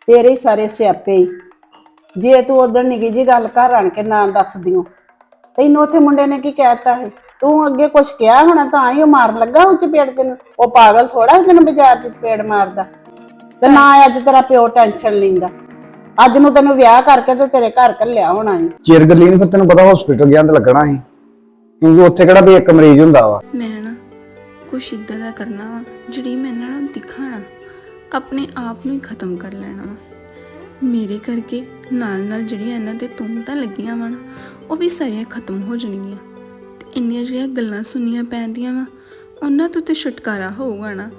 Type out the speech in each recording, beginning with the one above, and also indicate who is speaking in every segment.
Speaker 1: ਤੇਰੇ ਹੀ ਸਾਰੇ ਸਿਆਪੇ ਹੀ। ਜੇ ਤੂੰ ਉਧਰ ਨਿੱਕੀ ਜੀ ਗੱਲ ਘਰ ਆਣ ਕੇ ਨਾ ਦੱਸ ਦਿਓ, ਤੈਨੂੰ ਉੱਥੇ ਮੁੰਡੇ ਨੇ ਕੀ ਕਹਿਤਾ ਹੈ? ਤੂੰ ਅੱਗੇ ਕੁਛ ਕਿਹਾ ਹੋਣਾ ਤਾਂ ਹੀ ਉਹ ਮਾਰਨ ਲੱਗਾ ਉਹ ਚਪੇੜ ਤੈਨੂੰ। ਉਹ ਪਾਗਲ ਥੋੜਾ ਤੈਨੂੰ ਬਾਜ਼ਾਰ 'ਚ ਚਪੇੜ ਮਾਰਦਾ। ਤੇ ਨਾ ਅੱਜ ਤੇਰਾ ਪਿਓ ਟੈਨਸ਼ਨ ਲੈਂਦਾ। ਅੱਜ ਨੂੰ ਤੈਨੂੰ ਵਿਆਹ ਕਰਕੇ ਤੇ ਤੇਰੇ ਘਰ ਘੱਲਿਆ ਹੋਣਾ ਸੀ।
Speaker 2: ਚਿਰ ਗੱਲੀ ਨੂੰ ਫਿਰ ਤੈਨੂੰ ਪਤਾ ਹਸਪੀਟਲ ਗਿਆ ਤੇ ਲੱਗਣਾ ਸੀ, ਕਿਉਂਕਿ ਉੱਥੇ ਕਿਹੜਾ ਵੀ ਇੱਕ ਮਰੀਜ਼ ਹੁੰਦਾ ਵਾ।
Speaker 3: ਮੈਂ ਨਾ ਕੁਛ ਇੱਦਾਂ ਦਾ ਕਰਨਾ ਵਾ ਜਿਹੜੀ ਮੈਂ ਇਹਨਾਂ ਨੂੰ ਦਿਖਾਣਾ, ਆਪਣੇ ਆਪ ਨੂੰ ਹੀ ਖਤਮ ਕਰ ਲੈਣਾ ਵਾ। ਮੇਰੇ ਕਰਕੇ ਨਾਲ ਨਾਲ ਜਿਹੜੀਆਂ ਇਹਨਾਂ ਤੇ ਤੁਮਤਾਂ ਲੱਗੀਆਂ ਵਾ ਨਾ, ਉਹ ਵੀ ਸਾਰੀਆਂ ਖਤਮ ਹੋ ਜਾਣਗੀਆਂ। ਤੇ ਇੰਨੀਆਂ ਜਿਹੜੀਆਂ ਗੱਲਾਂ ਸੁਣੀਆਂ ਪੈਂਦੀਆਂ ਵਾ, ਉਹਨਾਂ ਤੋਂ ਤੇ ਛੁਟਕਾਰਾ ਹੋਊਗਾ ਨਾ।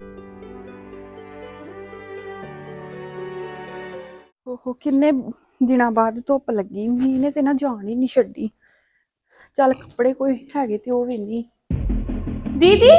Speaker 4: ਉਹ ਕਿੰਨੇ ਦਿਨਾਂ ਬਾਅਦ ਧੁੱਪ ਲੱਗੀ, ਮੀਂਹ ਨੇ ਤੇ ਨਾ ਜਾਣ ਹੀ ਨਹੀਂ ਛੱਡੀ। ਚੱਲ ਕੱਪੜੇ ਕੋਈ ਹੈਗੇ ਤੇ ਉਹ ਵੀ ਨਹੀਂ। ਦੀਦੀ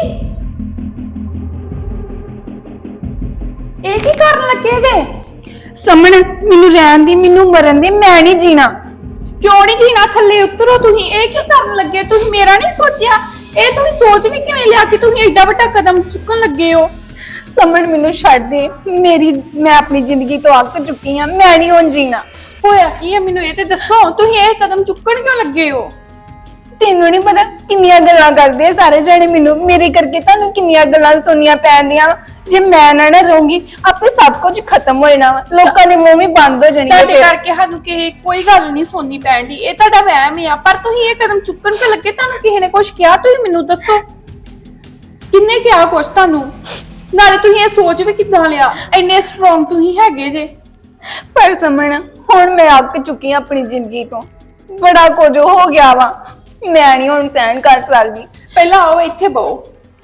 Speaker 4: ਇਹ ਕੀ ਕਰਨ ਲੱਗੇ ਜੇ?
Speaker 5: ਸਮਣ ਮੈਨੂੰ ਰਹਿਣ ਦੀ, ਮੈਨੂੰ ਮਰਨ ਦੀ, ਮੈਂ ਨਹੀਂ ਜੀਣਾ।
Speaker 4: ਕਿਉਂ ਨਹੀਂ ਜੀਣਾ? ਥੱਲੇ ਉਤਰੋ ਤੁਸੀਂ। ਇਹ ਕੀ ਕਰਨ ਲੱਗੇ? ਤੁਸੀਂ ਮੇਰਾ ਨਹੀਂ ਸੋਚਿਆ? ਇਹ ਤੁਸੀਂ ਸੋਚ ਵੀ ਕਿਵੇਂ ਲਿਆ ਕਿ ਤੁਸੀਂ ਏਡਾ ਵੱਡਾ ਕਦਮ ਚੁੱਕਣ ਲੱਗੇ ਹੋ?
Speaker 5: ਸਮਣ ਮੈਨੂੰ ਛੱਡ ਦੇ, ਮੈਂ ਆਪਣੀ ਜ਼ਿੰਦਗੀ ਤੋਂ ਅੱਕ ਚੁੱਕੀ ਹਾਂ, ਮੈਂ ਨਹੀਂ ਹੁਣ ਜੀਣਾ।
Speaker 4: ਹੋਇਆ ਕੀ ਹੈ ਮੈਨੂੰ ਇਹ ਤੇ ਦੱਸੋ। ਤੁਸੀਂ ਇਹ ਕਦਮ ਚੁੱਕਣ ਕਿਉਂ ਲੱਗੇ ਹੋ?
Speaker 5: ਤੈਨੂੰ ਨਹੀਂ ਪਤਾ ਕਿੰਨੀਆਂ ਗੱਲਾਂ ਕਰਦੇ ਆ ਸਾਰੇ ਜਣੇ ਮੈਨੂੰ, ਮੇਰੇ ਕਰਕੇ ਤੁਹਾਨੂੰ ਕਿੰਨੀਆਂ ਗੱਲਾਂ ਸੁਣਨੀਆਂ ਪੈਂਦੀਆਂ। ਜੇ ਮੈਂ ਨਾ ਰਹੂੰਗੀ ਆਪੇ ਸਭ ਕੁਝ ਖਤਮ ਹੋ ਜਾਣਾ ਵਾ, ਲੋਕਾਂ ਦੇ ਮੂੰਹ ਵੀ ਬੰਦ ਹੋ ਜਾਣੀ।
Speaker 4: ਤੁਹਾਡੇ ਕਰਕੇ ਸਾਨੂੰ ਕੋਈ ਗੱਲ ਨਹੀਂ ਸੁਣਨੀ ਪੈਂਦੀ, ਇਹ ਤੁਹਾਡਾ ਵਹਿਮ ਹੀ ਆ। ਪਰ ਤੁਸੀਂ ਇਹ ਕਦਮ ਚੁੱਕਣ ਤੇ ਲੱਗੇ, ਤੁਹਾਨੂੰ ਕਿਸੇ ਨੇ ਕੁਝ ਕਿਹਾ? ਤੁਸੀਂ ਮੈਨੂੰ ਦੱਸੋ, ਕਿੰਨੇ ਕਿਹਾ ਕੁਝ ਤੁਹਾਨੂੰ? ਨਾਲੇ ਤੁਸੀਂ ਇਹ ਸੋਚ ਵੀ ਕਿੱਦਾਂ ਲਿਆ? ਇੰਨੇ ਸਟਰੋਂਗ ਤੁਸੀਂ ਹੈਗੇ ਜੇ।
Speaker 5: ਪਰ ਸਮਣ ਹੁਣ ਮੈਂ ਅੱਕ ਚੁੱਕੀ ਹਾਂ ਆਪਣੀ ਜ਼ਿੰਦਗੀ ਤੋਂ, ਬੜਾ ਕੁਝ ਹੋ ਗਿਆ ਵਾ, ਮੈਂ ਨਹੀਂ ਹੁਣ ਸਹਿਣ ਕਰ ਸਕਦੀ।
Speaker 4: ਪਹਿਲਾਂ ਆਓ ਇੱਥੇ ਬਹੋ।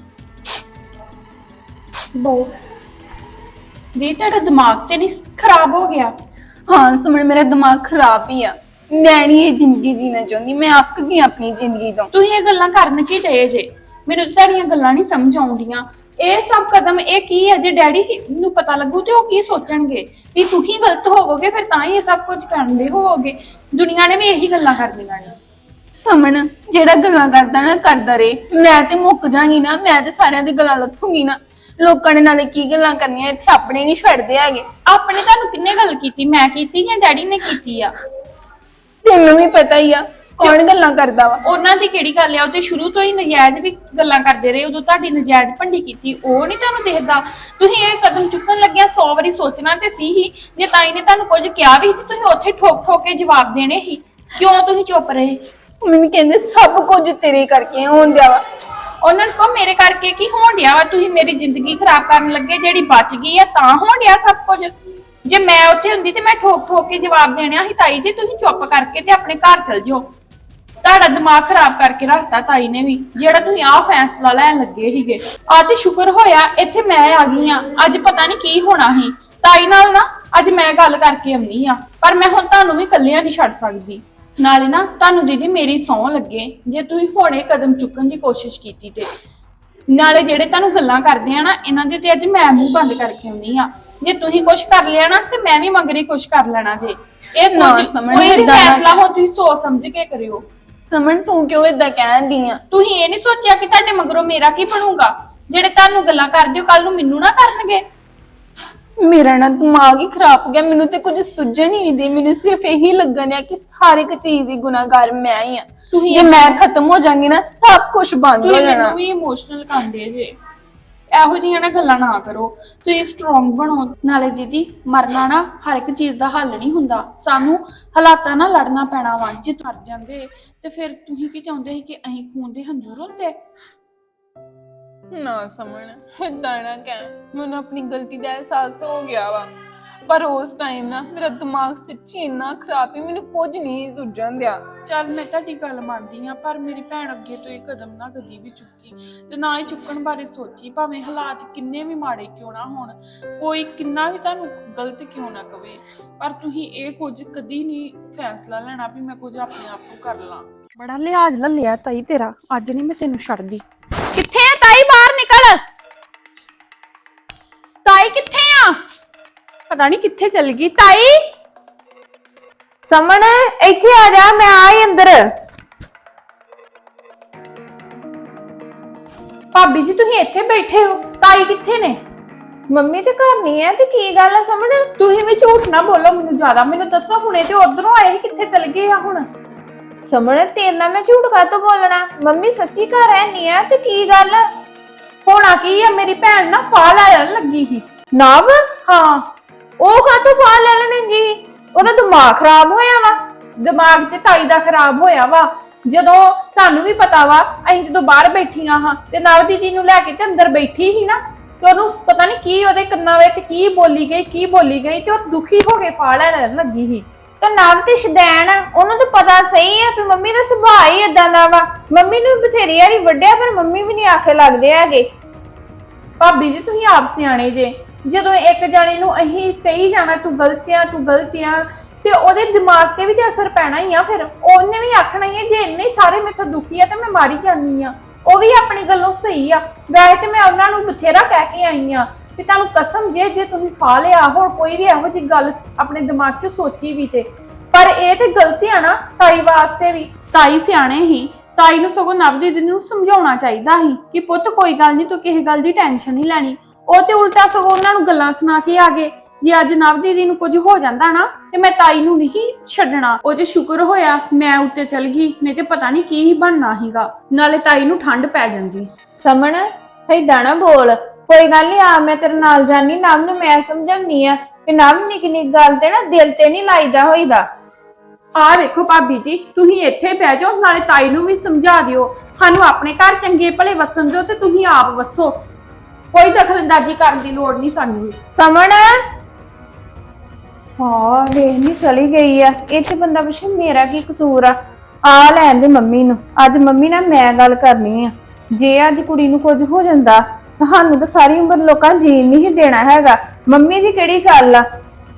Speaker 4: ਜੀ ਤੁਹਾਡਾ ਦਿਮਾਗ ਤੇ ਨਹੀਂ ਖਰਾਬ ਹੋ ਗਿਆ?
Speaker 5: ਹਾਂ ਸਮਝ, ਮੇਰਾ ਦਿਮਾਗ ਖਰਾਬ ਹੀ ਆ। ਮੈਂ ਨਹੀਂ ਇਹ ਜ਼ਿੰਦਗੀ ਜੀਣਾ ਚਾਹੁੰਦੀ, ਮੈਂ ਅੱਕ ਗਈ ਆਪਣੀ ਜ਼ਿੰਦਗੀ ਤੋਂ।
Speaker 4: ਤੁਸੀਂ ਇਹ ਗੱਲਾਂ ਕਰਨ ਕੀ ਡਏ ਜੇ? ਮੈਨੂੰ ਤਾਂ ਤੁਹਾਡੀਆਂ ਗੱਲਾਂ ਨਹੀਂ ਸਮਝ ਆਉਂਦੀਆਂ। ਇਹ ਸਭ ਕਦਮ ਇਹ ਕੀ ਹੈ? ਜੇ ਡੈਡੀ ਨੂੰ ਪਤਾ ਲੱਗੂ ਤੇ ਉਹ ਕੀ ਸੋਚਣਗੇ? ਵੀ ਤੁਸੀਂ ਗਲਤ ਹੋਵੋਗੇ, ਫਿਰ ਤਾਂ ਹੀ ਇਹ ਸਭ ਕੁਝ ਕਰਦੇ ਹੋਵੋਗੇ। ਦੁਨੀਆ ਨੇ ਵੀ ਇਹੀ ਗੱਲਾਂ ਕਰਦੀਆਂ ਨੇ।
Speaker 5: ਸਮਣ ਜਿਹੜਾ ਗੱਲਾਂ ਕਰਦਾ ਨਾ ਕਰਦਾ ਰਹੇ, ਮੈਂ ਤੇ ਮੁੱਕ ਜਾਗੀ ਨਾ, ਮੈਂ ਤੇ ਸਾਰਿਆਂ ਦੀ ਗੱਲਾਂ ਲੱਥੂਗੀ ਨਾ। ਲੋਕਾਂ ਨੇ ਨਾਲੇ ਕੀ ਗੱਲਾਂ ਕਰਨੀਆਂ, ਇੱਥੇ ਆਪਣੇ ਨਹੀਂ ਛੱਡਦੇ ਹੈਗੇ।
Speaker 4: ਆਪਣੇ ਤੁਹਾਨੂੰ ਕਿੰਨੇ ਗੱਲ ਕੀਤੀ? ਮੈਂ ਕੀਤੀ ਜਾਂ ਡੈਡੀ ਨੇ ਕੀਤੀ ਆ?
Speaker 5: ਤੈਨੂੰ ਵੀ ਪਤਾ ਹੀ ਆ ਕੌਣ ਗੱਲਾਂ ਕਰਦਾ ਵਾ।
Speaker 4: ਉਹਨਾਂ ਦੀ ਕਿਹੜੀ ਗੱਲ ਆ? ਉਹ ਤੇ ਸ਼ੁਰੂ ਤੋਂ ਹੀ ਨਜਾਇਜ਼ ਵੀ ਗੱਲਾਂ ਕਰਦੇ ਰਹੇ। ਉਦੋਂ ਤੁਹਾਡੀ ਨਜਾਇਜ਼ ਭੰਡੀ ਕੀਤੀ, ਉਹ ਨਹੀਂ ਤੁਹਾਨੂੰ ਦੇਖਦਾ? ਤੁਸੀਂ ਇਹ ਕਦਮ ਚੁੱਕਣ ਲੱਗਿਆ 100 ਵਾਰੀ ਸੋਚਣਾ ਤੇ ਸੀ ਹੀ। ਜੇ ਤਾਈ ਨੇ ਤੁਹਾਨੂੰ ਕੁਝ ਕਿਹਾ ਵੀ ਸੀ, ਤੁਸੀਂ ਉੱਥੇ ਠੋਕ ਠੋਕ ਕੇ ਜਵਾਬ ਦੇਣੇ ਸੀ। ਕਿਉਂ ਤੁਸੀਂ ਚੁੱਪ ਰਹੇ?
Speaker 5: ਮੈਨੂੰ ਕਹਿੰਦੇ ਸਭ ਕੁਝ ਤੇਰੇ ਕਰਕੇ ਹੋਣ ਦਿਆ ਵਾ।
Speaker 4: ਉਹਨਾਂ ਨੂੰ ਮੇਰੇ ਕਰਕੇ ਕੀ ਹੋਣ ਡਿਆ ਵਾ? ਤੁਸੀਂ ਮੇਰੀ ਜ਼ਿੰਦਗੀ ਖਰਾਬ ਕਰਨ ਲੱਗੇ, ਜਿਹੜੀ ਬਚ ਗਈ ਆ ਤਾਂ ਹੋਣ ਡਿਆ ਸਭ ਕੁਝ। ਜੇ ਮੈਂ ਉੱਥੇ ਹੁੰਦੀ ਤੇ ਮੈਂ ਠੋਕ ਠੋਕ ਕੇ ਜਵਾਬ ਦੇਣਾ ਸੀ। ਤਾਈ ਜੀ ਤੁਸੀਂ ਚੁੱਪ ਕਰਕੇ ਤੇ ਆਪਣੇ ਘਰ ਚਲ ਜਾਓ। ਤੁਹਾਡਾ ਦਿਮਾਗ ਖਰਾਬ ਕਰਕੇ ਰੱਖਤਾ ਤਾਈ ਨੇ ਵੀ, ਜਿਹੜਾ ਤੁਸੀਂ ਆਹ ਫੈਸਲਾ ਲੈਣ ਲੱਗੇ ਸੀਗੇ। ਆ ਤੇ ਸ਼ੁਕਰ ਹੋਇਆ ਇੱਥੇ ਮੈਂ ਆ ਗਈ ਆ। ਅੱਜ ਪਤਾ ਨਹੀਂ ਕੀ ਹੋਣਾ ਸੀ ਤਾਈ ਨਾਲ ਨਾ। ਅੱਜ ਮੈਂ ਗੱਲ ਕਰਕੇ ਆਉਣੀ ਆ, ਪਰ ਮੈਂ ਹੁਣ ਤੁਹਾਨੂੰ ਵੀ ਇਕੱਲਿਆਂ ਨਹੀਂ ਛੱਡ ਸਕਦੀ। ਨਾਲੇ ਨਾ ਤੁਹਾਨੂੰ ਦੀਦੀ ਮੇਰੀ ਸਹੁੰ ਲੱਗੇ, ਜੇ ਤੁਸੀਂ ਹੁਣੇ ਕਦਮ ਚੁੱਕਣ ਦੀ ਕੋਸ਼ਿਸ਼ ਕੀਤੀ ਤੇ ਨਾਲੇ ਜਿਹੜੇ ਤੁਹਾਨੂੰ ਗੱਲਾਂ ਕਰਦੇ ਆ ਨਾ, ਇਹਨਾਂ ਦੇ ਤੇ ਅੱਜ ਮੈਂ ਮੂੰਹ ਬੰਦ ਕਰਕੇ ਆਉਣੀ ਆ। ਜੇ ਤੁਸੀਂ ਕੁਝ ਕਰ ਲਿਆ ਨਾ ਤੇ ਮੈਂ ਵੀ ਮਗਰੀ ਕੁਝ ਕਰ ਲੈਣਾ ਜੇ। ਇਹ
Speaker 5: ਨਾ
Speaker 4: ਕੁਝ
Speaker 5: ਸਮਝ
Speaker 4: ਕੋਈ ਵੀ
Speaker 5: ਏਦਾਂ ਨਾ
Speaker 4: ਫੈਸਲਾ ਹੋ ਤੁਸੀਂ ਸੋਚ ਸਮਝ ਕੇ ਕਰਿਓ।
Speaker 5: ਸਮਣ ਤੂੰ ਕਿਉਂ ਏਦਾਂ ਕਹਿੰਦੀ ਆ?
Speaker 4: ਤੁਸੀਂ ਇਹ ਨਹੀਂ ਸੋਚਿਆ ਕਿ ਤੁਹਾਡੇ ਮਗਰੋਂ ਮੇਰਾ ਕੀ ਬਣੂਗਾ? ਜਿਹੜੇ ਤੁਹਾਨੂੰ ਗੱਲਾਂ ਕਰਦੇ ਹੋ ਕੱਲ ਨੂੰ ਮੈਨੂੰ ਨਾ ਕਰਨਗੇ।
Speaker 5: ਮੇਰਾ ਨਾ ਦਿਮਾਗ ਹੀ ਖਰਾਬ ਹੋ ਗਿਆ, ਮੈਨੂੰ ਤੇ ਕੁਝ ਸੁਝਣ ਹੀ ਨਹੀਂ ਦੀ। ਮੈਨੂੰ ਸਿਰਫ ਇਹੀ ਲੱਗਣ ਆ ਕਿ ਹਰ ਇੱਕ ਚੀਜ਼ ਦੀ ਗੁਨਾਹਗਾਰ ਮੈਂ ਹੀ ਆ। ਜੇ ਮੈਂ ਖਤਮ ਹੋ ਜਾਵਾਂਗੀ ਨਾ ਸਭ ਕੁਝ ਬੰਦ ਹੋ ਜਾਣਾ।
Speaker 4: ਮੈਨੂੰ ਵੀ ਇਮੋਸ਼ਨਲ ਕਰਦੇ ਜੇ। ਇਹੋ ਜਿਹੀਆਂ ਨਾ ਗੱਲਾਂ ਨਾ ਕਰੋ, ਤੁਸੀਂ ਸਟਰੋਂਗ ਬਣੋ। ਨਾਲੇ ਦੀਦੀ ਮਰਨਾ ਨਾ ਹਰ ਇੱਕ ਚੀਜ਼ ਦਾ ਹੱਲ ਨਹੀਂ ਹੁੰਦਾ। ਸਾਨੂੰ ਹਾਲਾਤਾਂ ਨਾਲ ਲੜਨਾ ਪੈਣਾ ਵਾ। ਜੇ ਮਰ ਜਾਂਦੇ ਤੇ ਫਿਰ ਤੁਸੀਂ ਕੀ ਚਾਹੁੰਦੇ ਸੀ ਕਿ ਅਸੀਂ ਖੂਨ ਦੇ ਹੰਝੂ ਰੋਂਦੇ?
Speaker 5: ਨਾ ਸਮਝ, ਏਦਾਂ ਨਾ ਕਹਿ। ਮੈਨੂੰ ਆਪਣੀ ਗਲਤੀ ਦਾ ਅਹਿਸਾਸ ਹੋ ਗਿਆ ਵਾ, ਪਰ ਉਸ ਟਾਈਮ ਨਾ ਮੇਰਾ ਦਿਮਾਗ ਸੱਚੀ ਇੰਨਾ ਖਰਾਬ ਸੀ, ਮੈਨੂੰ ਕੁਝ ਨਹੀਂ ਸੁਝਣ ਦਿਆ।
Speaker 4: ਚੱਲ ਮੈਂ ਤੁਹਾਡੀ ਗੱਲ ਮੰਨਦੀ ਆ, ਪਰ ਮੇਰੀ ਭੈਣ ਅੱਗੇ ਤੋਂ ਇਹ ਕਦਮ ਨਾ ਕਦੀ ਵੀ ਚੁੱਕੀ ਤੇ ਨਾ ਹੀ ਚੁੱਕਣ ਬਾਰੇ ਸੋਚੀ। ਭਾਵੇਂ ਹਾਲਾਤ ਕਿੰਨੇ ਵੀ ਮਾੜੇ ਕਿਉਂ ਨਾ ਹੋਣ, ਕੋਈ ਕਿੰਨਾ ਵੀ ਤੁਹਾਨੂੰ ਗਲਤ ਕਿਉਂ ਨਾ ਕਵੇ, ਪਰ ਤੁਸੀਂ ਇਹ ਕੁਝ ਕਦੀ ਨਹੀਂ ਫੈਸਲਾ ਲੈਣਾ ਵੀ ਮੈਂ ਕੁਝ ਆਪਣੇ ਆਪ ਨੂੰ ਕਰ ਲਾਂ। ਬੜਾ ਲਿਹਾਜ਼ ਲਿਆ ਤਾਈ ਤੇਰਾ, ਅੱਜ ਨਹੀਂ ਮੈਂ ਤੈਨੂੰ ਛੱਡਦੀ।
Speaker 5: ਕਿੱਥੇ ਆ ਤਾਈ? ਬਾਹਰ ਨਿਕਲ।
Speaker 4: ਤਾਈ ਕਿੱਥੇ ਆ? ਪਤਾ ਨਹੀਂ ਕਿੱਥੇ ਚਲ ਗਈ ਤਾਈ।
Speaker 6: ਸਮਣ ਇੱਥੇ ਆ ਜਾ, ਮੈਂ ਆਈ ਅੰਦਰ।
Speaker 4: ਭਾਬੀ ਜੀ ਤੁਸੀਂ ਇੱਥੇ ਬੈਠੇ ਹੋ, ਤਾਈ ਕਿੱਥੇ ਨੇ?
Speaker 6: ਮੰਮੀ ਤੇ ਘਰ ਨਹੀਂ ਹੈ ਤੇ ਕੀ ਗੱਲ ਆ ਸਮਝ।
Speaker 4: ਤੁਸੀਂ ਵੀ ਝੂਠ ਨਾ ਬੋਲੋ ਮੈਨੂੰ ਜ਼ਿਆਦਾ। ਮੈਨੂੰ ਦੱਸੋ ਹੁਣੇ ਤੇ ਉਧਰੋਂ ਆਏ ਸੀ, ਕਿੱਥੇ ਚਲ ਗਏ ਆ ਹੁਣ?
Speaker 6: ਸਮਝ ਤੇਰੇ ਨਾਲ ਮੈਂ ਝੂਠ ਕਾਹਤੋਂ ਬੋਲਣਾ। ਮੰਮੀ ਸੱਚੀ ਘਰ ਹੈ ਨਹੀਂ ਆ ਤੇ ਕੀ ਗੱਲ।
Speaker 4: ਹੋਣਾ ਕੀ ਆ, ਮੇਰੀ ਭੈਣ ਨਾ ਫਾਹ ਲੈਣ ਲੱਗੀ ਸੀ।
Speaker 6: ਨਵ
Speaker 4: ਹਾਂ,
Speaker 6: ਉਹ ਕਾਹਤੋਂ ਫਾਲ ਲੈ ਲੈਣਗੀ? ਉਹਦਾ ਦਿਮਾਗ ਖਰਾਬ ਹੋਇਆ ਵਾ।
Speaker 4: ਦਿਮਾਗ ਤੇ ਤਾਈ ਦਾ ਖਰਾਬ ਹੋਇਆ ਵਾ। ਜਦੋਂ ਤੁਹਾਨੂੰ ਵੀ ਪਤਾ ਵਾ, ਅਸੀਂ ਜਦੋਂ ਬਾਹਰ ਬੈਠੀਆਂ ਹਾਂ ਤੇ ਨਵ ਦੀਦੀ ਨੂੰ ਲੈ ਕੇ ਤੇ ਅੰਦਰ ਬੈਠੀ ਸੀ ਨਾ, ਤੇ ਉਹਨੂੰ ਪਤਾ ਨਹੀਂ ਕੀ ਉਹਦੇ ਕੰਨਾਂ ਵਿੱਚ ਕੀ ਬੋਲੀ ਗਈ ਤੇ ਉਹ ਦੁਖੀ ਹੋ ਕੇ ਫਾਹ ਲੈਣ ਲੱਗੀ ਸੀ।
Speaker 6: ਤੇ ਨਵ ਤੇ ਸ਼ਦੈਣ ਆ, ਉਹਨੂੰ ਤਾਂ ਪਤਾ ਸਹੀ ਆ ਕਿ ਮੰਮੀ ਦਾ ਸੁਭਾਅ ਹੀ ਏਦਾਂ ਦਾ ਵਾ। ਮੰਮੀ ਨੂੰ ਬਥੇਰੀ ਵਾਰੀ ਵੱਡਿਆ ਪਰ ਮੰਮੀ ਵੀ ਨਹੀਂ ਆਖੇ ਲੱਗਦੇ ਹੈਗੇ।
Speaker 4: ਭਾਬੀ ਜੀ ਤੁਸੀਂ ਆਪ ਸਿਆਣੇ ਜੇ। ਜਦੋਂ ਇੱਕ ਜਾਣੇ ਨੂੰ ਅਸੀਂ ਕਹੀ ਜਾਣਾ ਤੂੰ ਗਲਤ ਆ ਤੇ ਉਹਦੇ ਦਿਮਾਗ ਤੇ ਵੀ ਤੇ ਅਸਰ ਪੈਣਾ ਹੀ ਆ। ਫਿਰ ਉਹਨੇ ਵੀ ਆਖਣਾ ਹੀ ਆ ਜੇ ਇੰਨੇ ਸਾਰੇ ਮੇਥੋਂ ਦੁਖੀ ਆ ਤੇ ਮੈਂ ਮਾਰੀ ਜਾਂਦੀ ਆ। ਉਹ ਵੀ ਆਪਣੀ ਗੱਲੋਂ ਸਹੀ ਆ। ਵੈਸੇ ਤੇ ਮੈਂ ਉਹਨਾਂ ਨੂੰ ਬਥੇਰਾ ਕਹਿ ਕੇ ਆਈ ਆ ਵੀ ਤੁਹਾਨੂੰ ਕਸਮ ਜੇ ਤੁਸੀਂ ਫਾ ਲਿਆ ਹੁਣ ਕੋਈ ਵੀ ਇਹੋ ਜਿਹੀ ਗੱਲ ਆਪਣੇ ਦਿਮਾਗ 'ਚ ਸੋਚੀ ਵੀ ਤੇ, ਪਰ ਇਹ ਤੇ ਗਲਤੀ ਆ ਨਾ ਤਾਈ ਵਾਸਤੇ ਵੀ। ਤਾਈ ਸਿਆਣੇ ਹੀ, ਤਾਈ ਨੂੰ ਸਗੋਂ ਨਵ ਦੀਦੀ ਨੂੰ ਸਮਝਾਉਣਾ ਚਾਹੀਦਾ ਸੀ ਕਿ ਪੁੱਤ ਕੋਈ ਗੱਲ ਨਹੀਂ, ਤੂੰ ਕਿਸੇ ਗੱਲ ਦੀ ਟੈਨਸ਼ਨ ਨਹੀਂ ਲੈਣੀ। ਉਹ ਤੇ ਉਲਟਾ ਸਗੋਂ ਉਹਨਾਂ ਨੂੰ ਗੱਲਾਂ ਸੁਣਾ ਕੇ ਆ ਗਏ। ਜੇ ਅੱਜ ਨਵ ਦੀਦੀ ਨੂੰ ਕੁਝ ਹੋ ਜਾਂਦਾ ਨਾ ਤੇ ਮੈਂ ਤਾਈ ਨੂੰ ਨਹੀਂ ਛੱਡਣਾ। ਉਹ ਜੇ ਸ਼ੁਕਰ ਹੋਇਆ ਮੈਂ ਉੱਤੇ ਚਲ ਗਈ, ਨਹੀਂ ਤੇ ਪਤਾ ਨਹੀਂ ਕੀ ਬਣਨਾ ਸੀਗਾ। ਨਾਲੇ ਤਾਈ ਨੂੰ ਠੰਡ ਪੈ ਜਾਂਦੀ।
Speaker 6: ਸਮਣ ਏਦਾਂ ਨਾ ਬੋਲ। ਕੋਈ ਗੱਲ ਨਹੀਂ ਆ ਮੈਂ ਤੇਰੇ ਨਾਲ ਜਾਨੀ। ਨਵ ਨੂੰ ਮੈਂ ਸਮਝਾਉਣੀ ਆ ਕਿ ਨਵ ਨਿੱਕੀ ਨਿੱਕੀ ਗੱਲ ਤੇ ਨਾ ਦਿਲ ਤੇ ਨਹੀਂ ਲਾਈਦਾ ਹੋਈਦਾ।
Speaker 4: ਆਹ ਵੇਖੋ ਭਾਬੀ ਜੀ, ਤੁਸੀਂ ਇੱਥੇ ਬਹਿ ਜਾਓ, ਨਾਲੇ ਤਾਈ ਨੂੰ ਵੀ ਸਮਝਾ ਦਿਓ। ਸਾਨੂੰ ਆਪਣੇ ਘਰ ਚੰਗੇ ਭਲੇ ਵਸਣ ਦਿਓ ਤੇ ਤੁਸੀਂ ਆਪ ਵਸੋ। ਕੋਈ ਦਖਲਅੰਦਾਜ਼ੀ ਕਰਨ ਦੀ ਲੋੜ ਨਹੀਂ ਸਾਨੂੰ।
Speaker 6: ਸਮਣ ਹਾਂ ਵੇਖ ਨਹੀਂ ਚਲੀ ਗਈ ਆ। ਇਹ ਚ ਬੰਦਾ ਪੁੱਛੇ ਮੇਰਾ ਕੀ ਕਸੂਰ ਆ ਲੈਣ ਦੇ ਮੰਮੀ ਨੂੰ। ਅੱਜ ਮੰਮੀ ਨਾਲ ਮੈਂ ਗੱਲ ਕਰਨੀ ਆ। ਜੇ ਅੱਜ ਕੁੜੀ ਨੂੰ ਕੁਝ ਹੋ ਜਾਂਦਾ ਤੁਹਾਨੂੰ ਤਾਂ ਸਾਰੀ ਉਮਰ ਲੋਕਾਂ ਜੀਣ ਨਹੀਂ ਦੇਣਾ ਹੈਗਾ। ਮੰਮੀ ਦੀ ਕਿਹੜੀ ਗੱਲ ਆ।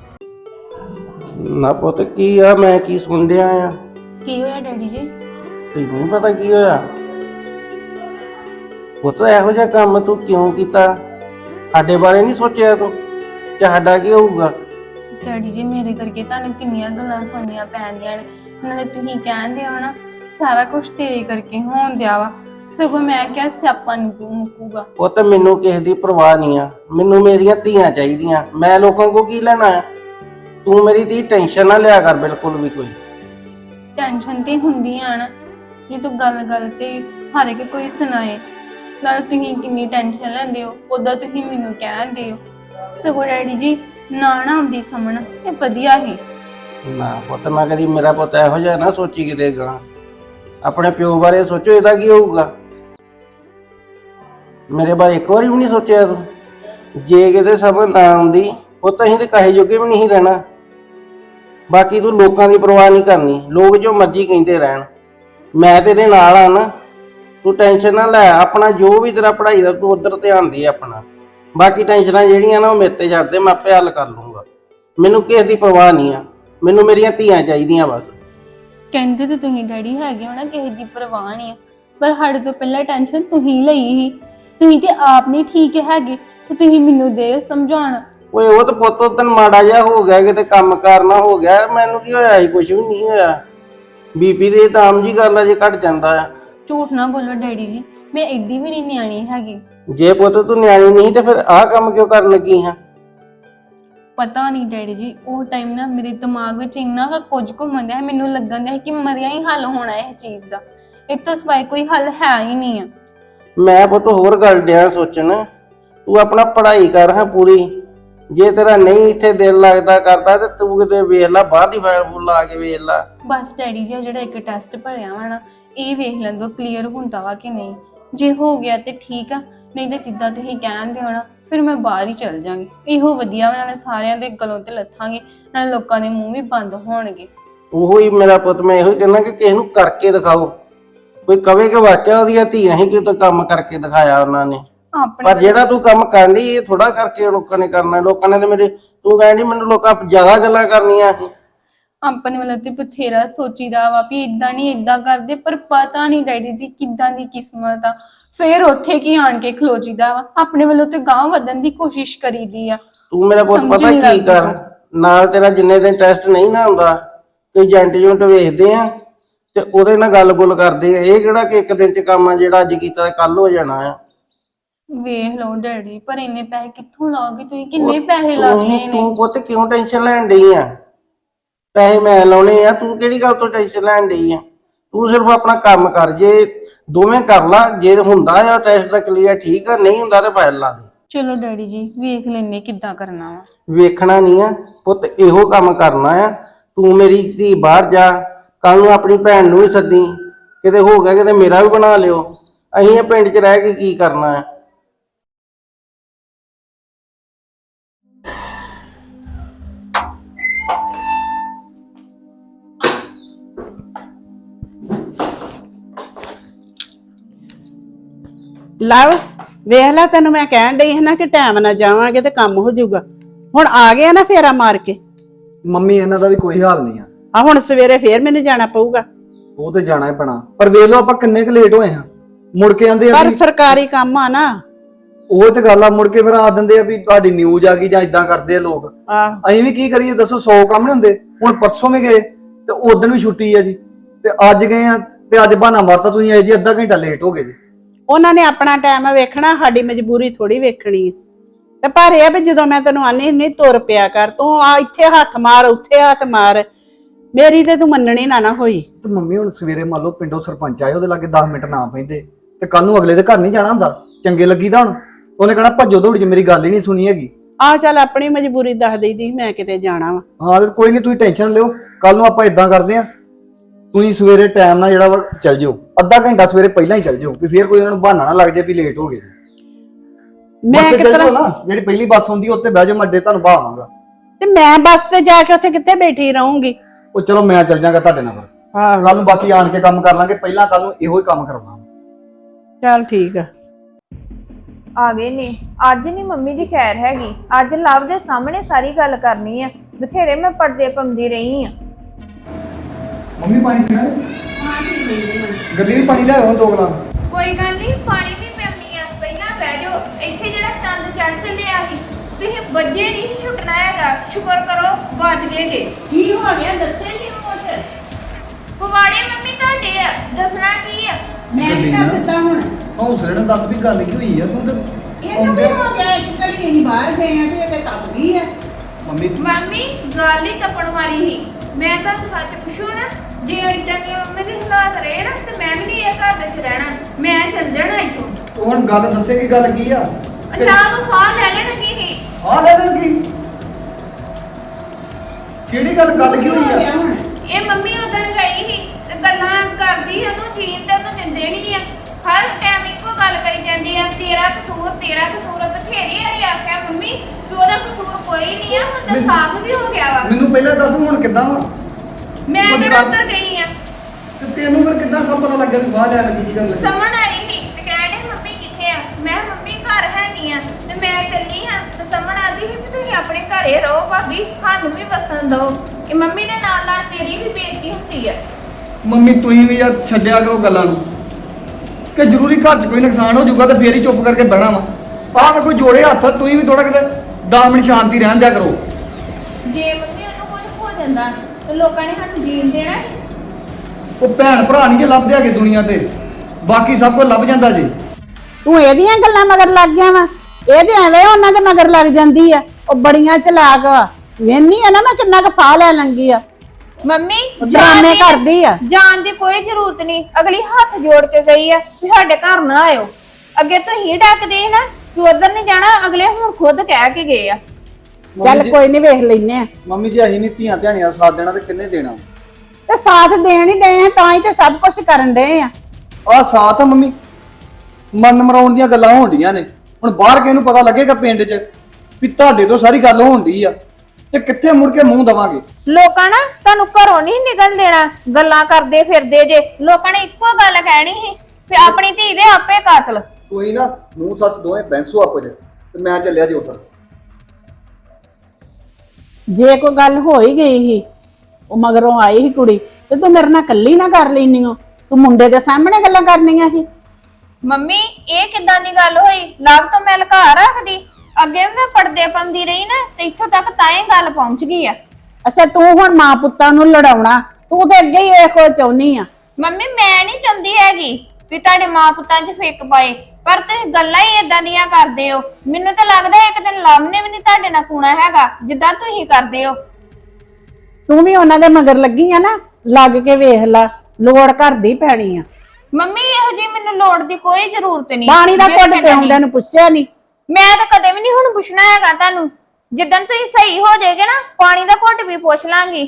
Speaker 7: ਨਾ ਪੁੱਤ ਕੀ ਆ, ਮੈਂ ਕੀ ਸੁਣ ਰਿਹਾ ਆ?
Speaker 3: ਕੀ ਹੋਇਆ ਡੈਡੀ ਜੀ?
Speaker 7: ਤੈਨੂੰ ਨੀ ਪਤਾ ਕੀ ਹੋਇਆ? ਪੁੱਤ ਇਹੋ ਜਿਹਾ ਕੰਮ ਤੂੰ ਕਿਉਂ ਕੀਤਾ? ਸਾਡੇ ਬਾਰੇ ਨਹੀਂ ਸੋਚਿਆ ਤੂੰ ਕਿ ਸਾਡਾ ਕੀ ਹੋਊਗਾ?
Speaker 3: ਡੈਡੀ ਜੀ ਮੇਰੇ ਕਰਕੇ ਤੁਹਾਨੂੰ ਕਿੰਨੀਆਂ ਗੱਲਾਂ ਸੁਣਨੀਆਂ ਪੈਂਦੀਆਂ ਨੇ। ਨਾਲੇ ਤੁਸੀਂ ਕਹਿੰਦੇ ਹੋ ਨਾ ਸਾਰਾ ਕੁਝ ਤੇਰੇ ਕਰਕੇ ਹੋਣ ਦਿਆ ਵਾ, ਸਗੋਂ ਮੈਂ ਕਿਹਾ ਸਿਆਪਾ ਨਹੀਂ ਮੁੱਕੂਗਾ।
Speaker 7: ਪੁੱਤ ਮੈਨੂੰ ਕਿਸੇ ਦੀ ਪਰਵਾਹ ਨਹੀਂ ਆ। ਮੈਨੂੰ ਮੇਰੀਆਂ ਧੀਆਂ ਚਾਹੀਦੀਆਂ। ਮੈਂ ਲੋਕਾਂ ਕੋ ਕੀ ਲੈਣਾ ਆ? ਤੂੰ ਮੇਰੀ ਧੀ ਟੈਨਸ਼ਨ ਨਾ ਲਿਆ ਕਰ ਬਿਲਕੁਲ ਵੀ। ਕੋਈ
Speaker 3: ਟੈਨਸ਼ਨ ਤੇ ਹੁੰਦੀ ਆ ਨਾ ਜਦੋਂ ਗੱਲ ਤੇ ਹਰ ਇੱਕ ਕੋਈ ਸੁਣਾਏ। ਨਾਲ ਤੁਸੀਂ ਕਿੰਨੀ ਟੈਨਸ਼ਨ ਲੈਂਦੇ ਹੋ, ਉਦਾਂ ਤੁਸੀਂ ਮੈਨੂੰ ਕਹਿੰਦੇ ਹੋ। ਸਗੋਂ ਡੈਡੀ ਜੀ ਨਾ ਆਉਂਦੀ ਸਮਝ ਤੇ ਵਧੀਆ ਹੀ।
Speaker 7: ਨਾ ਪੁੱਤ ਨਾ ਕਦੀ ਮੇਰਾ ਪੁੱਤ ਇਹੋ ਜਿਹਾ ਨਾ ਸੋਚੀ ਕਿਤੇ ਗਾ। ਆਪਣੇ ਪਿਓ ਬਾਰੇ ਸੋਚੋ, ਇਹਦਾ ਕੀ ਹੋਊਗਾ। ਮੇਰੇ ਬਾਰੇ ਇੱਕ ਵਾਰੀ ਵੀ ਨਹੀਂ ਸੋਚਿਆ ਤੂੰ? ਜੇ ਕਿਤੇ ਸਮਝ ਨਾ ਆਉਂਦੀ ਪੁੱਤ ਅਸੀਂ ਤੇ ਕਹੇ ਜੋਗੇ ਵੀ ਨਹੀਂ ਰਹਿਣਾ। ਬਾਕੀ ਤੂੰ ਲੋਕਾਂ ਦੀ ਪਰਵਾਹ ਨਹੀਂ ਕਰਨੀ। ਲੋਕ ਜੋ ਮਰਜ਼ੀ ਕਹਿੰਦੇ ਰਹਿਣ, ਮੈਂ ਤੇਰੇ ਨਾਲ ਆ ਨਾ। ਤੂੰ ਟੈਨਸ਼ਨ ਨਾ ਲੈ। ਆਪਣਾ ਜੋ ਵੀ ਤੇਰਾ ਪੜ੍ਹਾਈ ਦਾ ਤੂੰ ਉਧਰ ਧਿਆਨ ਦੇ ਆਪਣਾ। ਬਾਕੀ ਟੈਨਸ਼ਨਾਂ ਜਿਹੜੀਆਂ ਨਾ ਉਹ ਮੇਰੇ ਤੇ ਛੱਡ ਦੇ, ਮੈਂ ਆਪੇ ਹੱਲ ਕਰ ਲੂੰਗਾ। ਮੈਨੂੰ ਕਿਸੇ ਦੀ ਪਰਵਾਹ ਨਹੀਂ ਆ। ਮੈਨੂੰ ਮੇਰੀਆਂ ਧੀਆਂ ਚਾਹੀਦੀਆਂ ਬਸ।
Speaker 3: ਕਹਿੰਦੇ ਤੇ ਤੁਸੀਂ ਡੈਡੀ ਹੈਗੇ ਹੋ ਨਾ ਕਿਸੇ ਦੀ ਪਰਵਾਹ ਨਹੀਂ ਆ, ਪਰ ਸਾਡੇ ਤੋਂ ਪਹਿਲਾਂ ਟੈਨਸ਼ਨ ਤੁਸੀਂ ਲਈ ਸੀ। ਤੁਸੀਂ ਤੇ ਆਪ ਨਹੀਂ ਠੀਕ ਹੈਗੇ ਤੇ ਤੁਸੀਂ ਮੈਨੂੰ ਦੇ ਸਮਝਾਉਣ।
Speaker 7: ਓਏ ਉਹ ਤਾਂ ਪੁੱਤ ਤੈਨੂੰ ਮਾੜਾ ਜਿਹਾ ਹੋ ਗਿਆ, ਕਿਤੇ ਕੰਮ ਕਰਨਾ ਹੋ ਗਿਆ। ਮੈਨੂੰ ਕੀ ਹੋਇਆ ਸੀ? ਕੁਝ ਵੀ ਨਹੀਂ ਹੋਇਆ। ਬੀਪੀ ਦੇ ਤਾਂ ਆਮ ਜੀ ਗੱਲ ਆ, ਜੇ ਘਟ ਜਾਂਦਾ ਆ।
Speaker 3: ਝੂਠ ਨਾ ਬੋਲੋ ਡੈਡੀ ਜੀ, ਮੈਂ ਐਡੀ ਵੀ ਨਹੀਂ ਨਿਆਣੀ ਹੈਗੀ।
Speaker 7: ਜੇ ਪੁੱਤ ਤੂੰ ਨਿਆਣੀ ਨਹੀਂ ਤੇ ਫਿਰ ਆਹ ਕੰਮ ਕਿਉਂ ਕਰਨ ਲੱਗੀ ਹਾਂ?
Speaker 3: ਪਤਾ ਨਹੀਂ ਡੈਡੀ ਜੀ, ਉਹ ਟਾਈਮ ਨਾ ਮੇਰੇ ਦਿਮਾਗ ਵਿੱਚ ਇੰਨਾ ਕੁਝ ਘੁੰਮਣ ਦਿਆ, ਮੈਨੂੰ ਲੱਗਣ ਦਿਆ ਕਿ ਮਰਿਆ ਹੀ ਹੱਲ ਹੋਣਾ ਇਹ ਚੀਜ਼ ਦਾ। ਇਸ ਤੋਂ ਸਿਵਾਏ ਕੋਈ ਹੱਲ ਹੈ ਹੀ ਨਹੀਂ ਆ।
Speaker 7: ਮੈਂ ਪੁੱਤ ਹੋਰ ਗੱਲ ਡਿਆ ਸੋਚਣ। ਤੂੰ ਆਪਣਾ ਪੜ੍ਹਾਈ ਕਰ ਹਾਂ ਪੂਰੀ। ਜੇ ਤੇਰਾ ਨਹੀਂ ਇੱਥੇ ਦਿਲ ਲੱਗਦਾ ਕਰਦਾ ਤੇ ਤੂੰ ਕਿਤੇ ਵੇਖ ਲੈ, ਬਾਹਰ ਦੀ ਫਾਈਲ ਫੁੱਲ ਲਾ ਕੇ ਵੇਖ ਲੈ।
Speaker 3: ਬਸ ਡੈਡੀ ਜੀ ਜਿਹੜਾ ਇੱਕ ਟੈਸਟ ਭਰਿਆ ਵਾ ਨਾ, ਇਹ ਵੇਖ ਲੈਂਦੋ ਕਲੀਅਰ ਹੁੰਦਾ ਵਾ ਕਿ ਨਹੀਂ। ਜੇ ਹੋ ਗਿਆ ਤੇ ਠੀਕ ਆ, ਨਹੀਂ ਤੇ ਜਿੱਦਾਂ ਤੁਸੀਂ ਕਹਿੰਦੇ ਹੋ ਨਾ ਫਿਰ ਮੈਂ ਬਾਹਰ ਹੀ ਚਲ ਜਾਵਾਂਗੀ। ਇਹੋ ਵਧੀਆ ਵਾ, ਨਾਲੇ ਸਾਰਿਆਂ ਦੇ ਗਲੋਂ ਤੇ ਲੱਥਾਂਗੇ, ਨਾਲੇ ਲੋਕਾਂ ਦੇ ਮੂੰਹ ਵੀ ਬੰਦ ਹੋਣਗੇ।
Speaker 7: ਉਹੋ ਹੀ ਮੇਰਾ ਪੁੱਤ, ਮੈਂ ਇਹੋ ਹੀ ਕਹਿੰਦਾ ਕਿ ਕਿਸੇ ਨੂੰ ਕਰਕੇ ਦਿਖਾਓ। ਕੋਈ ਕਵੇ ਕਿ ਵਾਕਿਆ ਉਹਦੀਆਂ ਧੀਆਂ ਹੀ ਕਿਤੇ ਕੰਮ ਕਰਕੇ ਦਿਖਾਇਆ ਉਹਨਾਂ ਨੇ। ਪਰ ਜਿਹੜਾ ਤੂੰ ਕੰਮ ਕਰਨੀ ਇਹ ਥੋੜਾ ਕਰਕੇ ਲੋਕਾਂ ਨੇ ਕਰਨਾ। ਲੋਕਾਂ ਨੇ ਤੇ ਮੇਰੇ, ਤੂੰ ਕਹਿੰਦੀ ਮੈਨੂੰ ਲੋਕਾਂ ਜ਼ਿਆਦਾ ਗੱਲਾਂ ਕਰਨੀਆਂ।
Speaker 3: ਆਪਣੇ ਵੱਲੋਂ ਤੇ ਬਥੇਰਾ ਸੋਚੀਦਾ ਵਾ ਵੀ ਇਦਾਂ ਨਹੀਂ ਇਦਾਂ ਕਰਦੇ, ਪਰ ਪਤਾ ਨਹੀਂ ਡੈਡੀ ਜੀ ਕਿੱਦਾਂ ਦੀ ਕਿਸਮਤ ਆ। ਫਿਰ ਉੱਥੇ ਕੀ ਆਣ ਕੇ ਖਲੋਜੀਦਾ ਵਾ। ਆਪਣੇ ਵੱਲੋਂ ਤੇ ਗਾਂਹ ਵਧਣ ਦੀ ਕੋਸ਼ਿਸ਼ ਕਰੀਦੀ ਆ।
Speaker 7: ਤੂੰ ਮੇਰਾ ਪੁੱਤ ਪਤਾ ਕੀ ਕਰ, ਨਾਲ ਤੇਰਾ ਜਿੰਨੇ ਦਿਨ ਟੈਸਟ ਨਹੀਂ ਨਾ ਹੁੰਦਾ, ਕੋਈ ਏਜੰਟ ਜੁੰਟ ਵੇਖਦੇ ਆ ਤੇ ਉਹਦੇ ਨਾਲ ਗੱਲ-ਗੁੱਲ ਕਰਦੇ ਆ। ਇਹ ਕਿਹੜਾ ਕਿ ਇੱਕ ਦਿਨ ਚ ਕੰਮ ਆ ਜਿਹੜਾ ਅੱਜ ਕੀਤਾ ਕੱਲ ਹੋ ਜਾਣਾ ਆ।
Speaker 3: ਵੇਖ ਲਓ ਡੈਡੀ, ਪਰ ਇੰਨੇ ਪੈਸੇ ਕਿੱਥੋਂ ਲਾਓਗੇ ਤੁਸੀਂ? ਕਿੰਨੇ ਪੈਸੇ ਲਾਉਣੇ ਨੇ?
Speaker 7: ਤੂੰ ਪੁੱਤ ਕਿਉਂ ਟੈਨਸ਼ਨ ਲੈਣ ਡਈ ਆ? ਪੈਸੇ ਮੈਂ ਲਾਉਣੇ ਆ, ਤੂੰ ਕਿਹੜੀ ਗੱਲ ਤੋਂ ਟੈਨਸ਼ਨ ਲੈਣ ਡਈ ਆ? ਤੂੰ ਸਿਰਫ ਆਪਣਾ ਕੰਮ ਕਰ, ਜੇ ਦੋਵੇਂ ਕਰ ਲਾ, ਜੇ ਹੁੰਦਾ ਆ ਟੈਸਟ ਦਾ ਕਲੀਅਰ ਠੀਕ ਆ, ਨਹੀਂ ਹੁੰਦਾ ਤੇ ਫਾਈਲ ਲਾ ਦੇ।
Speaker 3: ਚਲੋ ਡੈਡੀ ਜੀ ਵੇਖ ਲੈਨੇ ਕਿੱਦਾਂ ਕਰਨਾ ਵਾ।
Speaker 7: ਵੇਖਣਾ ਨਹੀਂ ਆ ਪੁੱਤ, ਇਹੋ ਕੰਮ ਕਰਨਾ ਆ। ਤੂੰ ਮੇਰੀ ਧੀ ਬਾਹਰ ਜਾ, ਕੱਲ ਨੂੰ ਆਪਣੀ ਭੈਣ ਨੂੰ ਵੀ ਸੱਦੀ, ਕਿਤੇ ਹੋ ਗਿਆ ਕਿਤੇ ਮੇਰਾ ਵੀ ਬਣਾ ਲਿਓ। ਅਸੀਂ ਇਹ ਪਿੰਡ 'ਚ ਰਹਿ ਕੇ ਕੀ ਕਰਨਾ ਆ?
Speaker 1: ਲਵ ਵੇਖ ਲੈ, ਤੈਨੂੰ ਮੈਂ ਕਹਿਣ ਡਈ ਸੀ ਨਾ ਕਿ ਟਾਈਮ ਨਾਲ ਜਾਵਾਂਗੇ ਤੇ ਕੰਮ ਹੋ ਜਾਊਗਾ। ਹੁਣ ਆ ਗਿਆ ਨਾ ਫੇਰਾ ਮਾਰ ਕੇ।
Speaker 2: ਮੰਮੀ ਇਹਨਾਂ ਦਾ ਵੀ ਕੋਈ ਹਾਲ ਨਹੀਂ ਆ।
Speaker 1: ਹੁਣ ਸਵੇਰੇ ਫੇਰ ਮੈਨੂੰ ਜਾਣਾ ਪਊਗਾ।
Speaker 2: ਉਹ ਤੇ ਜਾਣਾ ਹੀ ਪੈਣਾ, ਪਰ ਵੇਖ ਲਓ ਆਪਾਂ ਕਿੰਨੇ ਕੁ ਲੇਟ ਹੋਏ ਹਾਂ। ਮੁੜ ਕੇ ਆਂਦੇ ਆ
Speaker 1: ਪਰ
Speaker 2: ਵੀ
Speaker 1: ਸਰਕਾਰੀ ਕੰਮ ਆ ਨਾ।
Speaker 2: ਉਹ ਤੇ ਗੱਲ ਆ, ਮੁੜ ਕੇ ਫਿਰ ਆ ਦਿੰਦੇ ਆ ਵੀ ਤੁਹਾਡੀ ਨਿਊਜ਼ ਆ ਗਈ ਜਾਂ ਇਦਾਂ ਕਰਦੇ ਆ ਲੋਕ।
Speaker 1: ਆਹ
Speaker 2: ਅਸੀਂ ਵੀ ਕੀ ਕਰੀਏ ਦੱਸੋ, 100 ਕੰਮ ਨਹੀਂ ਹੁੰਦੇ। ਹੁਣ ਪਰਸੋਂ ਵੀ ਗਏ ਤੇ ਉਦੋਂ ਵੀ ਛੁੱਟੀ ਆ ਜੀ, ਤੇ ਅੱਜ ਗਏ ਆ ਤੇ ਅੱਜ ਬਹਾਨਾ ਮਾਰਤਾ ਤੁਸੀਂ ਆਏ ਜੀ ਅੱਧਾ ਘੰਟਾ ਲੇਟ ਹੋ ਗਏ ਜੀ।
Speaker 1: ਉਹਨਾਂ ਨੇ ਆਪਣਾ ਟਾਈਮ ਵੇਖਣਾ, ਸਾਡੀ ਮਜਬੂਰੀ ਥੋੜੀ ਵੇਖਣੀ ਹੈ। ਤੇ ਪਰ ਇਹ ਵੀ ਜਦੋਂ ਮੈਂ ਤੈਨੂੰ ਆਨੀ ਨਹੀਂ ਤੁਰ ਪਿਆ ਕਰ, ਤੂੰ ਆ ਇੱਥੇ ਹੱਥ ਮਾਰ ਉੱਥੇ ਹੱਥ ਮਾਰ, ਮੇਰੀ ਤੇ ਤੂੰ ਮੰਨਣੀ ਨਾ ਹੋਈ।
Speaker 2: ਤੇ ਮੰਮੀ ਹੁਣ ਸਵੇਰੇ ਮੰਨ ਲਓ ਪਿੰਡੋਂ ਸਰਪੰਚ ਆਏ, ਉਹਦੇ ਲਾਗੇ 10 ਮਿੰਟ ਨਾ ਪੈਂਦੇ ਤੇ ਕੱਲ ਨੂੰ ਅਗਲੇ ਦੇ ਘਰ ਨਹੀਂ ਜਾਣਾ ਹੁੰਦਾ। ਚੰਗੇ ਲੱਗੀਦਾ ਹੁਣ, ਉਹਨੇ ਕਹਿਣਾ ਭੱਜੋ ਦੌੜ, ਮੇਰੀ ਗੱਲ ਹੀ ਨਹੀਂ ਸੁਣੀ ਹੈਗੀ।
Speaker 1: ਆ ਚੱਲ ਆਪਣੀ ਮਜਬੂਰੀ ਦੱਸ ਦੇਈਦੀ, ਮੈਂ ਕਿਤੇ ਜਾਣਾ ਵਾ।
Speaker 2: ਹਾਂ ਤੇ ਕੋਈ ਨਹੀਂ, ਤੁਸੀਂ ਟੈਨਸ਼ਨ ਲਿਓ, ਕੱਲ ਨੂੰ ਆਪਾਂ ਇਦਾਂ ਕਰਦੇ ਆ, ਤੁਸੀਂ ਸਵੇਰੇ ਟਾਈਮ ਨਾਲ ਜਿਹੜਾ ਵਾ ਚੱਲ ਜਿਓ, ਅੱਧਾ ਘੰਟਾ ਸਵੇਰੇ ਪਹਿਲਾਂ ਹੀ ਚੱਲ ਜਿਓ, ਵੀ ਫੇਰ ਕੋਈ ਉਹਨਾਂ ਨੂੰ ਬਹਾਨਾ ਨਾ ਲੱਗ ਜਾਏ ਵੀ ਲੇਟ ਹੋ ਗਏ।
Speaker 1: ਮੈਂ
Speaker 2: ਬੱਸ ਤੇ ਚੱਲ
Speaker 1: ਕਿਤਨਾ
Speaker 2: ਜਿਓ ਨਾ, ਜਿਹੜੀ ਪਹਿਲੀ ਬੱਸ ਹੁੰਦੀ ਉੱਥੇ ਬਹਿ ਜਾਓ, ਮੈਂ ਅੱਡੇ ਤੁਹਾਨੂੰ ਬਾਹਾਂਗਾ।
Speaker 1: ਤੇ ਮੈਂ ਬੱਸ ਤੇ ਜਾ ਕੇ ਉੱਥੇ ਕਿੱਥੇ ਬੈਠੀ ਰਹੂੰਗੀ?
Speaker 2: ਉਹ ਚਲੋ ਮੈਂ ਚੱਲ ਜਾਗਾ ਤੁਹਾਡੇ ਨਾਲ,
Speaker 1: ਹਾਂ
Speaker 2: ਕੱਲ ਨੂੰ ਬਾਕੀ ਆਣ ਕੇ ਕੰਮ ਕਰ ਲਾਂਗੇ, ਪਹਿਲਾਂ ਕੱਲ ਨੂੰ ਇਹੋ ਹੀ ਕੰਮ ਕਰਵਾਉਣਾ।
Speaker 1: ਚੱਲ ਠੀਕ ਆ।
Speaker 6: ਆ ਗਏ ਨੇ। ਅੱਜ ਨਹੀਂ ਮੰਮੀ ਦੀ ਖੈਰ ਹੈਗੀ, ਅੱਜ ਲਵ ਦੇ ਸਾਹਮਣੇ ਸਾਰੀ ਗੱਲ ਕਰਨੀ ਆ। ਬਥੇਰੇ ਮੈਂ ਪਰਦੇ ਪਾਉਂਦੀ ਰਹੀ ਆ।
Speaker 2: ਮੰਮੀ ਪਾਣੀ ਪੀਣਾ?
Speaker 5: ਹਾਂ ਠੀਕ ਹੈ।
Speaker 2: ਗੱਡੀ ਪਾਣੀ ਲੈ ਆਓ 2 ਗਲਾਸ।
Speaker 5: ਕੋਈ ਗੱਲ ਨਹੀਂ, ਪਾਣੀ ਵੀ ਪਿਆਉਣੀ ਆ। ਪਹਿਲਾਂ ਬਹਿ ਜਾਓ। ਇੱਥੇ ਜਿਹੜਾ ਚੰਦ ਚੜ ਚੱਲਿਆ ਸੀ, ਤੁਸੀਂ ਬੱਜੇ ਨਹੀਂ ਛੁੱਟਣਾ ਹੈਗਾ। ਸ਼ੁਕਰ ਕਰੋ ਬਚ ਗਏ ਜੇ।
Speaker 1: ਕੀ ਹੋ ਗਿਆ ਦੱਸੇ ਨਹੀਂ ਕੁਛ?
Speaker 5: ਪਵਾੜੇ ਮੰਮੀ ਤੁਹਾਡੇ ਆ, ਦੱਸਣਾ ਕੀ ਆ?
Speaker 1: ਮੈਂ ਕੀ ਕਰ ਦਿੱਤਾ ਹੁਣ?
Speaker 2: ਹੌਸਲੇ ਨਾਲ ਦੱਸ ਵੀ ਗੱਲ ਕੀ ਹੋਈ ਆ? ਤੂੰ ਤੇ
Speaker 1: ਇਹਨੂੰ ਕੀ ਹੋ ਗਿਆ? ਇੱਕ ਘੜੀ ਅਸੀਂ ਬਾਹਰ ਗਏ ਆ ਤੇ ਇਹ ਤੇ ਤੱਪ ਗਈ ਆ।
Speaker 2: ਮੰਮੀ
Speaker 5: ਮੰਮੀ ਗੱਲ ਹੀ ਤੱਪਣ ਵਾਲੀ ਸੀ। ਮੈਂ ਤੁਹਾਨੂੰ ਸੱਚ ਪੁੱਛੂ ਨਾ, ਜੇ ਇਦਾਂ ਦੀ ਮੰਮੀ ਦੀ ਹਾਲਾਤ ਰਹੇ ਨਾ ਤੇ ਮੈਂ ਵੀ ਨਹੀਂ ਇਹ ਘਰ ਵਿੱਚ ਰਹਿਣਾ, ਮੈਂ ਚੱਲ ਜਾਣਾ ਇੱਥੋਂ।
Speaker 2: ਉਹ ਹੁਣ ਗੱਲ ਦੱਸੇਗੀ ਗੱਲ ਕੀ ਆ?
Speaker 5: ਅਚਾਨਕ ਫਾਹ ਲੈ ਲੈਣਗੀ ਹੀ।
Speaker 2: ਆ ਲੈ ਲੈਣਗੀ? ਕਿਹੜੀ ਗੱਲ ਕੀ ਹੋਈ ਆ?
Speaker 1: ਹੁਣ
Speaker 5: ਇਹ ਮੰਮੀ ਉਦਣ ਗਈ ਸੀ ਤੇ ਗੱਲਾਂ ਕਰਦੀ, ਉਹਨੂੰ ਜੀਣ ਤੇ ਉਹਨੂੰ ਦਿੰਦੇ ਨਹੀਂ ਆ। ਹਰ ਟਾਈਮ ਇੱਕੋ ਗੱਲ ਕਰੀ ਜਾਂਦੀ ਆ, ਤੇਰਾ ਕਸੂਰ ਬਥੇਰੀ ਵਾਰੀ ਆਖਿਆ ਮੰਮੀ ਕਿ ਉਹਦਾ ਕਸੂਰ ਕੋਈ ਨਹੀਂ ਆ, ਹੁਣ ਤਾਂ ਸਾਫ਼ ਵੀ ਹੋ ਗਿਆ ਵਾ।
Speaker 2: ਮੈਨੂੰ ਪਹਿਲਾਂ ਦੱਸ ਹੁਣ ਕਿੱਦਾਂ ਵਾ?
Speaker 5: ਮੈਂ ਜਦੋਂ ਉੱਧਰ ਗਈ ਆ,
Speaker 2: ਤੇ ਤੈਨੂੰ ਫਿਰ ਕਿੱਦਾਂ ਸਭ ਪਤਾ ਲੱਗਿਆ ਵੀ ਬਾਹਰ ਲੈ ਲੱਗੀ ਕੀ ਗੱਲ ਲੱਗੀ?
Speaker 5: ਸਮਣ ਆਈ ਸੀ ਤੇ ਕਹਿੰਦੇ ਮੰਮੀ ਕਿੱਥੇ ਆ? ਮੈਂ ਕਿਹਾ, ਮੰਮੀ ਘਰ ਹੈ ਨਹੀਂ ਆ ਤੇ ਮੈਂ ਚੱਲੀ ਆ। ਤੇ ਸਮਣ ਆਦੀ ਸੀ ਵੀ ਤੁਸੀਂ ਆਪਣੇ ਘਰੇ ਰਹੋ ਭਾਬੀ, ਸਾਨੂੰ ਵੀ ਵਸਣ ਦਿਓ। ਇਹ ਮੰਮੀ ਦੇ ਨਾਲ ਨਾਲ ਮੇਰੀ ਵੀ ਬੇਇੱਜ਼ਤੀ ਹੁੰਦੀ ਆ।
Speaker 2: ਮੰਮੀ ਤੁਸੀਂ ਵੀ ਯਾਰ ਛੱਡਿਆ ਕਰੋ ਗੱਲਾਂ ਨੂੰ, ਕਿ ਜ਼ਰੂਰੀ ਘਰ 'ਚ ਕੋਈ ਨੁਕਸਾਨ ਹੋ ਜਾਊਗਾ ਤੇ ਫੇਰ ਹੀ ਚੁੱਪ ਕਰਕੇ ਬਹਿਣਾ ਵਾ। ਆਹ ਮੈਂ ਕੋਈ ਜੋੜੇ ਹੱਥ, ਤੁਸੀਂ ਵੀ ਥੋੜਾ ਕਿਤੇ 10 ਮਿੰਟ ਸ਼ਾਂਤੀ ਰਹਿਣ ਦਿਆ ਕਰੋ।
Speaker 5: ਜੇ ਮੰਮੀ ਉਹਨੂੰ ਕੁਝ ਹੋ ਜਾਂਦਾ ਤੇ ਲੋਕਾਂ ਨੇ ਸਾਨੂੰ ਜੀਣ ਦੇਣਾ ਸੀ?
Speaker 2: ਉਹ ਭੈਣ ਭਰਾ ਨਹੀਂ ਜੇ ਲੱਭਦੇ ਹੈਗੇ ਦੁਨੀਆ ਤੇ, ਬਾਕੀ ਸਭ ਕੁਝ ਲੱਭ ਜਾਂਦਾ ਜੀ।
Speaker 1: ਤੂੰ ਇਹਦੀਆਂ ਗੱਲਾਂ ਮਗਰ ਲੱਗ ਗਿਆ ਵਾ? ਇਹਦੇ ਐਵੇਂ ਉਹਨਾਂ ਦੇ ਮਗਰ ਲੱਗ ਜਾਂਦੀ ਆ। ਉਹ ਬੜੀਆਂ ਚਲਾਕ ਵਾ, ਵੇਨੀ ਆ ਨਾ ਮੈਂ ਕਿੰਨਾ ਕੁ ਫਾਹ ਲੈ ਲੰਗੀ ਆ।
Speaker 5: ਮੰਮੀ
Speaker 1: ਡਰਾਮੇ ਕਰਦੀ ਆ।
Speaker 5: ਜਾਣ ਦੀ ਕੋਈ ਜ਼ਰੂਰਤ ਨਹੀਂ। ਅਗਲੀ ਹੱਥ ਜੋੜ ਕੇ ਗਈ ਆ ਵੀ ਸਾਡੇ ਘਰ ਨਾ ਆਇਓ। ਅੱਗੇ ਤੁਸੀਂ ਡੱਕਦੇ ਨਾ ਕਿ ਉਧਰ ਨਹੀਂ ਜਾਣਾ, ਅਗਲੇ ਹੁਣ ਖੁਦ ਕਹਿ ਕੇ ਗਏ ਆ।
Speaker 1: ਚੱਲ ਕੋਈ ਨਹੀਂ, ਵੇਖ ਲੈਨੇ ਆ।
Speaker 2: ਮੰਮੀ ਜੀ ਅਸੀਂ ਨਹੀਂ ਧੀਆਂ ਧਿਆਣੀਆਂ ਸਾਥ ਦੇਣਾ ਤੇ ਕਿੰਨੇ ਦੇਣਾ?
Speaker 1: ਤੇ ਸਾਥ ਦੇਣ ਹੀ ਡਏ ਆ, ਤਾਂ ਹੀ ਤੇ ਸਭ ਕੁਝ ਕਰਨ ਡਏ ਆ।
Speaker 2: ਆਹ ਸਾਥ ਆ ਮੰਮੀ, ਮਨ ਮਰਾਉਣ ਦੀਆਂ ਗੱਲਾਂ ਹੋਣਡੀਆਂ ਨੇ। ਹੁਣ ਬਾਹਰ ਕਿਸੇ ਨੂੰ ਪਤਾ ਲੱਗੇਗਾ ਪਿੰਡ 'ਚ ਵੀ ਤੁਹਾਡੇ ਤੋਂ ਸਾਰੀ ਗੱਲ ਹੋਣਡੀ ਆ, ਤੇ ਕਿੱਥੇ ਮੁੜ ਕੇ ਮੂੰਹ ਦਵਾਂਗੇ?
Speaker 5: ਲੋਕਾਂ ਨਾ ਤੁਹਾਨੂੰ ਘਰੋਂ ਨਹੀਂ ਨਿਕਲ ਦੇਣਾ, ਗੱਲਾਂ ਕਰਦੇ ਫਿਰਦੇ ਜੇ। ਲੋਕਾਂ ਨੇ ਇੱਕੋ ਗੱਲ ਕਹਿਣੀ ਸੀ ਵੀ ਆਪਣੀ ਧੀ ਦੇ ਆਪੇ ਕਾਤਲ।
Speaker 2: ਕੋਈ ਨਾ ਮੂੰਹ ਸੱਸ ਦੋਵੇਂ ਬੈਂਸੋ ਆਪੋ ਜੇ, ਤੇ ਮੈਂ ਚੱਲਿਆ ਜੀ ਉੱਧਰ।
Speaker 1: ਜੇ ਕੋਈ ਗੱਲ ਹੋ ਹੀ ਗਈ ਸੀ, ਉਹ ਮਗਰੋਂ ਆਈ ਸੀ ਕੁੜੀ, ਤੇ ਤੂੰ ਮੇਰੇ ਨਾਲ ਕੱਲੀ ਨਾ ਕਰ ਲੈਨੀ ਓ, ਤੂੰ ਮੁੰਡੇ ਦੇ ਸਾਹਮਣੇ ਗੱਲਾਂ ਕਰਨੀਆਂ ਸੀ।
Speaker 5: ਮੰਮੀ ਇਹ ਕਿੱਦਾਂ ਦੀ ਗੱਲ ਹੋਈ? ਲਵ ਤੋਂ ਮੈਂ ਲੁਕਾ ਰੱਖਦੀ? ਅੱਗੇ ਵੀ ਮੈਂ ਪਰਦੇ ਪਾਉਂਦੀ ਰਹੀ ਨਾ, ਤੇ ਇੱਥੋਂ ਤੱਕ ਤਾਂ ਇਹ ਗੱਲ ਪਹੁੰਚ ਗਈ ਆ।
Speaker 1: ਅੱਛਾ ਤੂੰ ਹੁਣ ਮਾਂ ਪੁੱਤਾਂ ਨੂੰ ਲੜਾਉਣਾ, ਤੂੰ ਤੇ ਅੱਗੇ ਹੀ ਇਹੋ ਚਾਹੁੰਦੀ ਆ।
Speaker 5: ਮੰਮੀ ਮੈਂ ਨਹੀਂ ਚਾਹੁੰਦੀ ਹੈਗੀ ਵੀ ਤੁਹਾਡੇ ਮਾਂ ਪੁੱਤਾਂ 'ਚ ਫਿੱਕ ਪਾਏ,
Speaker 6: ਪਰ ਤੁਸੀਂ ਗੱਲਾਂ ਹੀ ਇਦਾਂ ਦੀਆਂ ਕਰਦੇ ਹੋ। ਮੈਨੂੰ ਤਾਂ ਲੱਗਦਾ ਇੱਕ ਦਿਨ ਲਵ ਨੇ ਵੀ ਨਹੀਂ ਤੁਹਾਡੇ ਨਾਲ ਕੂਣਾ ਹੈਗਾ ਜਿੱਦਾਂ ਤੁਸੀਂ ਕਰਦੇ ਹੋ।
Speaker 1: ਤੂੰ ਵੀ ਉਹਨਾਂ ਦੇ ਮਗਰ ਲੱਗੀ ਆ ਨਾ, ਲੱਗ ਕੇ ਵੇਖ ਲੈ, ਲੋੜ ਘਰ ਦੀ ਪੈਣੀ ਆ।
Speaker 6: ਮੰਮੀ ਇਹੋ ਜੀ ਮੈਨੂੰ ਲੋੜ ਦੀ ਕੋਈ ਜ਼ਰੂਰਤ ਨਹੀਂ।
Speaker 1: ਪਾਣੀ ਦਾ ਘੁੱਟ ਤੇ ਆਉਂਦਿਆਂ ਨੂੰ ਪੁੱਛਿਆ ਨਹੀਂ।
Speaker 6: ਮੈਂ ਤਾਂ ਕਦੇ ਵੀ ਨਹੀਂ ਹੁਣ ਪੁੱਛਣਾ ਹੈਗਾ ਤੁਹਾਨੂੰ। ਜਿੱਦਣ ਤੁਸੀਂ ਸਹੀ ਹੋ ਜਾਏਗੇ ਨਾ ਪਾਣੀ ਦਾ ਘੁੱਟ ਵੀ ਪੁੱਛ ਲਾਂਗੀ।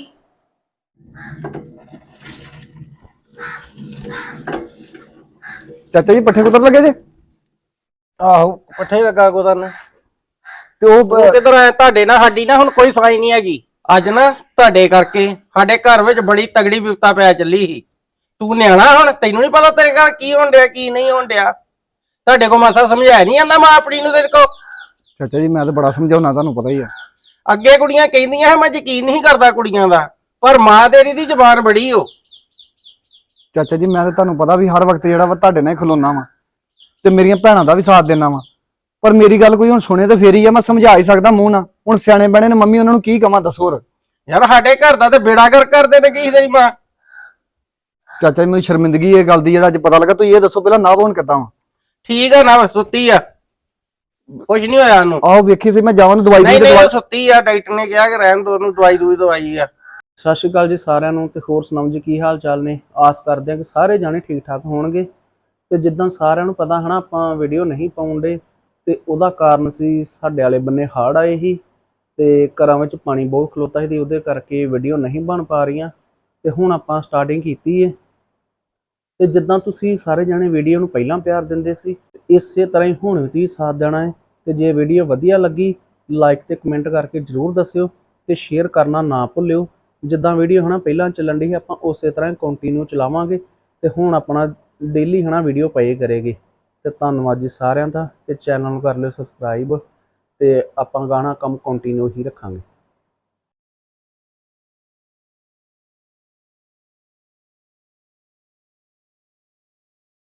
Speaker 2: ਚਾਚਾ ਜੀ ਪੱਠੇ ਕੁਤਰ ਲੱਗੇ ਜੇ?
Speaker 7: ਆਹੋ ਪੱਠੇ ਲੱਗਾ ਕੁਤਰਨ।
Speaker 2: ਤੇ ਉਹ
Speaker 7: ਉਹ ਕਿਧਰ ਆਇਆ ਤੁਹਾਡੇ ਨਾਲ? ਸਾਡੀ ਨਾ ਹੁਣ ਕੋਈ ਸਾਈ ਨਹੀਂ ਹੈਗੀ। ਅੱਜ ਨਾ ਤੁਹਾਡੇ ਕਰਕੇ ਸਾਡੇ ਘਰ ਵਿੱਚ ਬੜੀ ਤਗੜੀ ਵਿਪਤਾ ਪੈ ਚੱਲੀ ਸੀ। ਤੂੰ ਨਿਆਣਾ, ਹੁਣ ਤੈਨੂੰ ਨਹੀਂ ਪਤਾ ਤੇਰੇ ਘਰ ਕੀ ਹੋਣ ਡਿਆ ਕੀ ਨਹੀਂ ਹੋਣ ਡਿਆ। ਤੁਹਾਡੇ ਕੋਲ ਮਾਸਾ ਸਮਝਾਇਆ ਨਹੀਂ ਜਾਂਦਾ ਮਾਂ ਆਪਣੀ ਨੂੰ ਤੇਰੇ ਕੋਲ?
Speaker 2: ਚਾਚਾ ਜੀ ਮੈਂ ਤਾਂ ਬੜਾ ਸਮਝਾਉਣਾ, ਤੁਹਾਨੂੰ ਪਤਾ ਹੀ ਆ।
Speaker 7: ਅੱਗੇ ਕੁੜੀਆਂ ਕਹਿੰਦੀਆਂ ਮੈਂ ਯਕੀਨ ਨਹੀਂ ਕਰਦਾ ਕੁੜੀਆਂ ਦਾ, ਪਰ ਮਾਂ ਤੇਰੀ ਦੀ ਜ਼ੁਬਾਨ ਬੜੀ ਓ।
Speaker 2: ਚਾਚਾ ਜੀ ਮੈਂ ਤਾਂ ਤੁਹਾਨੂੰ ਪਤਾ ਵੀ ਹਰ ਵਕਤ ਜਿਹੜਾ ਵਾ ਤੁਹਾਡੇ ਨਾਲ ਹੀ ਖਲੋਣਾ ਵਾ ਤੇ ਮੇਰੀਆਂ ਭੈਣਾਂ ਦਾ ਵੀ ਸਾਥ ਦੇਣਾ ਵਾ, ਪਰ ਮੇਰੀ ਗੱਲ ਕੋਈ ਹੁਣ ਸੁਣੇ ਤੇ ਫੇਰ ਹੀ ਆ। ਮੈਂ ਸਮਝਾ ਹੀ ਸਕਦਾ ਮੂੰਹ ਨਾਲ। ਹੁਣ ਸਿਆਣੇ ਬਣੇ ਨੇ ਮੰਮੀ, ਉਹਨਾਂ ਨੂੰ ਕੀ ਕਵਾਂ ਦੱਸੋ ਹੋਰ।
Speaker 7: ਯਾਰ ਸਾਡੇ ਘਰ ਦਾ ਤੇ ਬੇੜਾ ਕਰ ਕਰਦੇ ਨੇ ਕੀ ਤੇਰੀ ਮਾਂ।
Speaker 2: ਚਾਚਾ ਜੀ ਮੈਨੂੰ ਸ਼ਰਮਿੰਦਗੀ ਇਹ ਗੱਲ ਦੀ, ਜਿਹੜਾ ਅੱਜ ਪਤਾ ਲੱਗਾ। ਤੁਸੀਂ ਇਹ ਦੱਸੋ ਪਹਿਲਾਂ ਨਾ ਬੋਨ ਕਿੱਦਾਂ ਵਾ?
Speaker 7: ਠੀਕ ਆ ਨਾ, ਸੁੱਤੀ ਆ, ਕੁਝ ਨਹੀਂ ਹੋਇਆ ਉਹਨੂੰ।
Speaker 2: ਆਹੋ ਵੇਖੀ ਸੀ ਮੈਂ ਜਾਵਾਂ ਨੂੰ ਦਵਾਈ
Speaker 7: ਨਹੀਂ
Speaker 2: ਦੇ
Speaker 7: ਨਹੀਂ ਉਹ ਸੁੱਤੀ ਆ, ਡਾਕਟਰ ਨੇ ਕਿਹਾ ਕਿ ਰਹਿਣ ਦੋ ਉਹਨੂੰ, ਦਵਾਈ ਦਵਾਈ ਆ।
Speaker 8: ਸਤਿ ਸ਼੍ਰੀ ਅਕਾਲ ਜੀ ਸਾਰਿਆਂ ਨੂੰ, ਤੇ ਹੋਰ ਸੁਣਾਓ ਜੀ ਕੀ ਹਾਲ ਚਾਲ ਨੇ। ਆਸ ਕਰਦੇ ਹਾਂ ਕਿ ਸਾਰੇ ਜਾਣੇ ਠੀਕ ਠਾਕ ਹੋਣਗੇ। ਤੇ ਜਿੱਦਾਂ ਸਾਰਿਆਂ ਨੂੰ ਪਤਾ ਹਨਾ, ਆਪਾਂ ਵੀਡੀਓ ਨਹੀਂ ਪਾਉਂਦੇ ਤੇ ਉਹਦਾ ਕਾਰਨ ਸੀ ਸਾਡੇ ਵਾਲੇ ਬੰਨੇ ਹੜ੍ਹ ਆਏ ਸੀ ਤੇ ਘਰਾਂ ਵਿੱਚ ਪਾਣੀ ਬਹੁਤ ਖਲੋਤਾ ਸੀ ਤੇ ਉਹਦੇ ਕਰਕੇ ਵੀਡੀਓ ਨਹੀਂ ਬਣ ਪਾ ਰਹੀਆਂ। ਤੇ ਹੁਣ ਆਪਾਂ ਸਟਾਰਟਿੰਗ ਕੀਤੀ ਹੈ ਤੇ ਜਿੱਦਾਂ ਤੁਸੀਂ ਸਾਰੇ ਜਾਣੇ ਵੀਡੀਓ ਨੂੰ ਪਹਿਲਾਂ ਪਿਆਰ ਦਿੰਦੇ ਸੀ, ਇਸੇ ਤਰ੍ਹਾਂ ਹੀ ਹੁਣ ਵੀ ਤੁਸੀਂ ਸਾਥ ਦੇਣਾ ਹੈ। ਤੇ ਜੇ ਵੀਡੀਓ ਵਧੀਆ ਲੱਗੀ ਲਾਈਕ ਤੇ ਕਮੈਂਟ ਕਰਕੇ ਜ਼ਰੂਰ ਦੱਸਿਓ ਤੇ ਸ਼ੇਅਰ ਕਰਨਾ ਨਾ ਭੁੱਲਿਓ। ਜਿੱਦਾਂ ਵੀਡੀਓ ਹਨਾ ਪਹਿਲਾਂ ਚੱਲਣ ਦੀ ਆਪਾਂ ਉਸੇ ਤਰ੍ਹਾਂ ਕੰਟੀਨਿਊ ਚਲਾਵਾਂਗੇ ਤੇ ਹੁਣ ਆਪਣਾ ਡੇਲੀ ਹਨਾ ਵੀਡੀਓ ਪਏ ਕਰੇਗੀ। ਤੇ ਧੰਨਵਾਦ ਜੀ ਸਾਰਿਆਂ ਦਾ, ਤੇ ਚੈਨਲ ਨੂੰ ਕਰ ਲਿਓ ਸਬਸਕ੍ਰਾਈਬ ਤੇ ਆਪਾਂ ਗਾਣਾ ਕੰਮ ਕੰਟੀਨਿਊ ਹੀ ਰੱਖਾਂਗੇ।